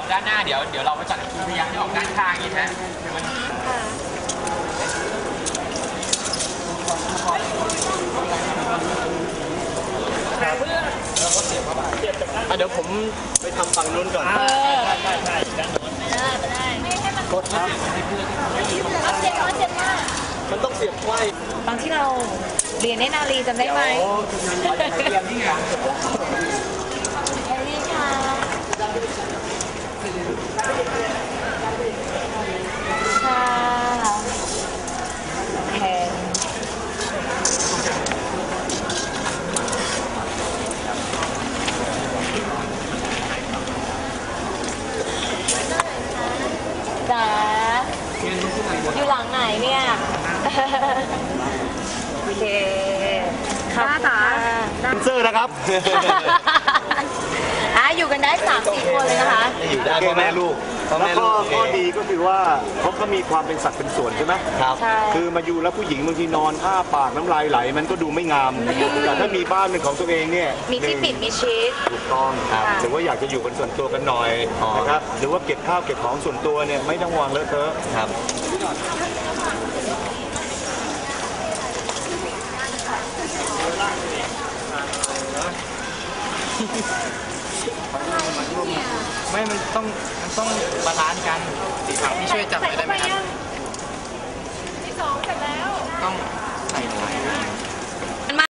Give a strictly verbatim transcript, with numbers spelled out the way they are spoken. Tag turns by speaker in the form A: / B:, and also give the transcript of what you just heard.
A: ด้านหน้าเดี๋ยวเดี๋ยวเราไปจัดคิวพยายามจะออกด้านข้างอย่างนี้ฮะคือมัน
B: อ่ะเดี๋ยวผมไปทำฝั่งนู้นก่อนใช่ใช่ใช่ด้านโน้น
C: ไม่ได้ไม่ได้ไม่ให้มัน
B: กดครับ
C: เอาเจ็บเอาเจ็บมาก
B: มันต้องเสียบไขว้
C: ตอนที่เราเรียนในนาลีจำได้ไหม
A: เตรียมนี่ไง
C: เอลี่ค่ะค่ะแทนจ๋าอยู่หลังไหนเนี่ยโอเคค่ะจ๋า
B: แดนเซอร์นะครับ
C: อ่ะอยู่กันได้สามสี่คนเลยนะคะ
B: อยู่ได้พ่อแม่ลูกพ่อ
D: แล้ว
B: แม่
D: ก็
B: ลูก
D: ข้อดีก็คือว่าเขาก็มีความเป็นสัตว์เป็นส่วนใช่ไหม
B: ครับ
C: ใช่
D: คือมาอยู่แล้วผู้หญิงบางทีนอนอ้าปากน้ำลายไหลมันก็ดูไม่งาม แต่ถ้ามีบ้านเป็นของตัวเองเนี่ย
C: มีที่ปิดมีชีส
D: ถูกต้อง
C: ครับ
D: หรือว่าอยากจะอยู่เป็นส่วนตัวกันหน่อย
B: อ๋อ
D: นะครับหรือว่าเก็บข้าวเก็บของส่วนตัวเนี่ยไม่ต้องวางเลอะเทอะ
B: ครับ
A: ไม่มันต้องมันต้องบาลานซ์กันสีขาวที่ช่วยจับได้ไหมครับ
C: ที่สองเสร็จแล้ว
A: ต้องใส่ไว้